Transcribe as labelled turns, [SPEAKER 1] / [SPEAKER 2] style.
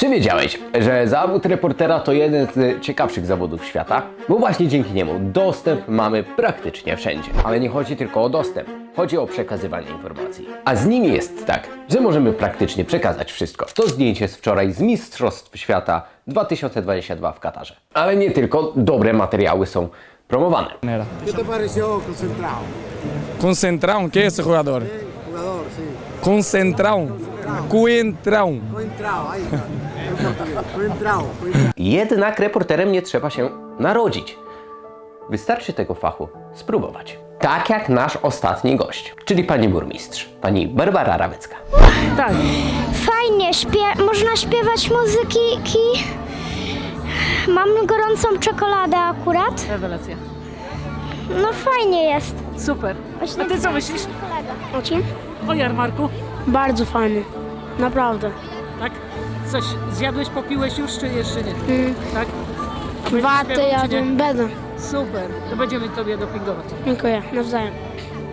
[SPEAKER 1] Czy wiedziałeś, że zawód reportera to jeden z ciekawszych zawodów świata? Bo właśnie dzięki niemu dostęp mamy praktycznie wszędzie. Ale nie chodzi tylko o dostęp, chodzi o przekazywanie informacji. A z nimi jest tak, że możemy praktycznie przekazać wszystko. To zdjęcie z wczoraj z Mistrzostw Świata 2022 w Katarze. Ale nie tylko dobre materiały są promowane.
[SPEAKER 2] ¿Qué te pareció concentrado?
[SPEAKER 3] Concentrado, ¿qué es ese jugador?
[SPEAKER 2] Jugador, sí.
[SPEAKER 3] Concentrado. Coentrão.
[SPEAKER 2] Coentrado, ahí está. En portugués. Coentrado.
[SPEAKER 1] Jednak reporterem nie trzeba się narodzić. Wystarczy tego fachu spróbować. Tak jak nasz ostatni gość, czyli pani burmistrz, pani Barbara Rawecka.
[SPEAKER 4] Tak.
[SPEAKER 5] Fajnie, można śpiewać muzyki. Mam gorącą czekoladę akurat.
[SPEAKER 4] Rewelacja.
[SPEAKER 5] No fajnie jest.
[SPEAKER 4] Super. A ty co myślisz
[SPEAKER 5] O czym?
[SPEAKER 4] o jarmarku?
[SPEAKER 5] Bardzo fajny. Naprawdę.
[SPEAKER 4] Tak? Coś zjadłeś, popiłeś już, czy jeszcze nie? Tak?
[SPEAKER 5] Watę jadłem, będę.
[SPEAKER 4] Super. To będziemy tobie dopingować.
[SPEAKER 5] Dziękuję, nawzajem.